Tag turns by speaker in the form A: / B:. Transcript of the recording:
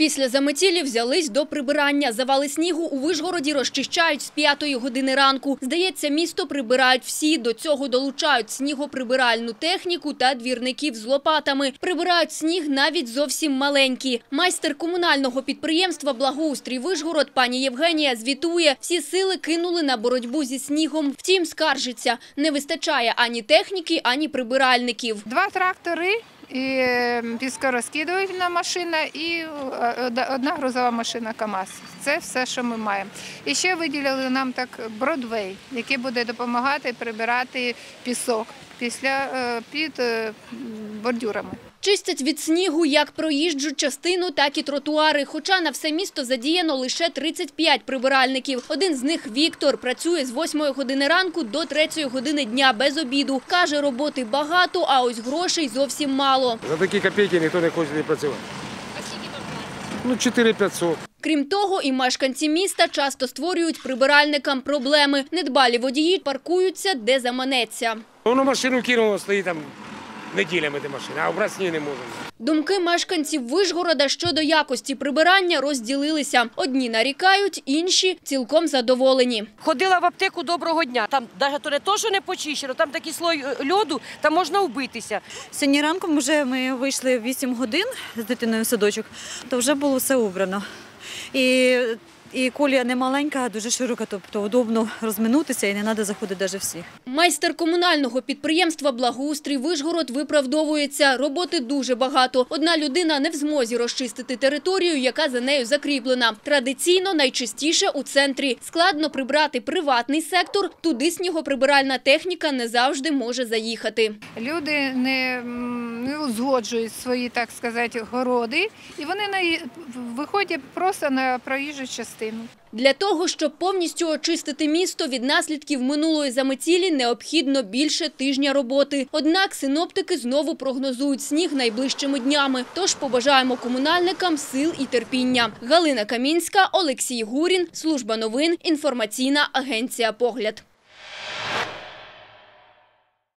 A: Після заметілі взялись до прибирання. Завали снігу у Вишгороді розчищають з 5-ї години ранку. Здається, місто прибирають всі. До цього долучають снігоприбиральну техніку та двірників з лопатами. Прибирають сніг навіть зовсім маленькі. Майстер комунального підприємства «Благоустрій Вишгород» пані Євгенія звітує, всі сили кинули на боротьбу зі снігом. Втім, скаржиться, не вистачає ані техніки, ані прибиральників.
B: 2 трактори. І піскорозкидувальна машина і одна грузова машина КАМАЗ. Це все, що ми маємо. І ще виділили нам так Бродвей, який буде допомагати прибирати пісок під бордюрами.
A: Чистять від снігу як проїжджу частину, так і тротуари. Хоча на все місто задіяно лише 35 прибиральників. Один з них – Віктор. Працює з 8-ї години ранку до 3-ї години дня без обіду. Каже, роботи багато, а ось грошей зовсім мало.
C: За такі копійки ніхто не хоче працювати.
A: А скільки там платять?
C: Ну, 4500.
A: Крім того, і мешканці міста часто створюють прибиральникам проблеми. Недбалі водії паркуються, де заманеться.
C: Воно машину кинуло, стоїть там неділями де машина, а обрати сніг не можемо.
A: Думки мешканців Вишгорода щодо якості прибирання розділилися. Одні нарікають, інші цілком задоволені.
D: Ходила в аптеку доброго дня. Там навіть то не то, що не почищено, там такий слой льоду, там можна вбитися.
E: Сьогодні ранком ми вийшли в 8 годин з дитиною в садочок, то вже було все убрано. І колія не маленька, а дуже широка, тобто удобно розминутися і не треба заходити навіть всіх.
A: Майстер комунального підприємства «Благоустрій Вишгород» виправдовується. Роботи дуже багато. Одна людина не в змозі розчистити територію, яка за нею закріплена. Традиційно найчастіше у центрі. Складно прибрати приватний сектор, туди снігоприбиральна техніка не завжди може заїхати.
B: Люди не узгоджують свої, так сказати, городи, і вони виходять просто на проїжджу частину.
A: Для того, щоб повністю очистити місто від наслідків минулої заметілі, необхідно більше тижня роботи. Однак синоптики знову прогнозують сніг найближчими днями. Тож побажаємо комунальникам сил і терпіння. Галина Камінська, Олексій Гурін, Служба новин, інформаційна агенція «Погляд».